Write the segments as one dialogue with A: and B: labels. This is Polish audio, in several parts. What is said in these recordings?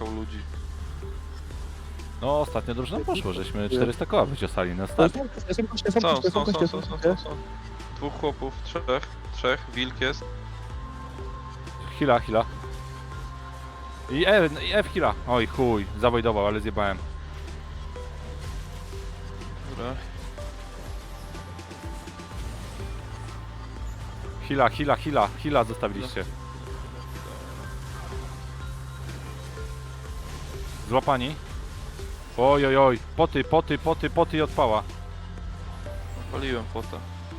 A: szukał ludzi.
B: No ostatnio dobrze nam poszło, żeśmy 400 koła wyciosali na start.
A: Są. Dwóch chłopów, trzech, wilk jest.
B: Hila. I F hila. Oj chuj, zawojdował, ale zjebałem.
A: Dobra.
B: Hila zostawiliście. Złapani. Oj, poty i odpała.
A: Paliłem pota.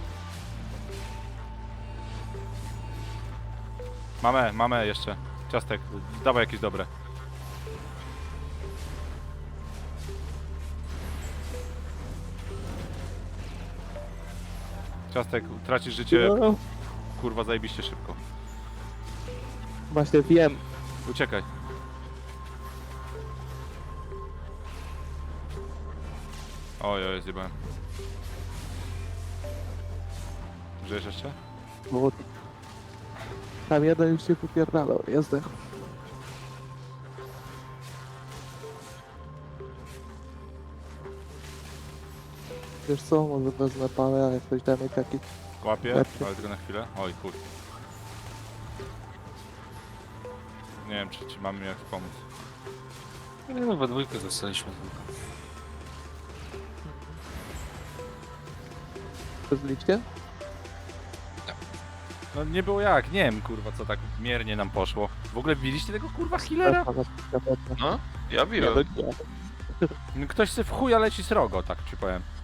B: Mamy jeszcze. Ciastek, dawaj jakieś dobre. Ciastek, tracisz życie,
C: No,
B: kurwa, zajebiście szybko.
C: właśnie wiem.
B: Uciekaj. Oj, zjebałem. Żyjesz jeszcze?
C: Bo tam jeden już się popierdalał, jest zdechł. Wiesz co, może wezmę pałę, a jak ktoś da mi taki...
B: Łapię,
C: Lepszy.
B: ale tylko na chwilę. Oj, chuj. Nie wiem, czy mamy mi jak pomóc.
D: Nie no, we dwójkę zostaliśmy tylko.
C: Pozliście?
B: No nie było jak, nie wiem, kurwa, co tak miernie nam poszło. W ogóle widzieliście tego, kurwa, healera?
A: No, ja
C: Nie,
A: biłem.
C: no nie.
B: Ktoś se w chuja leci srogo, tak ci powiem.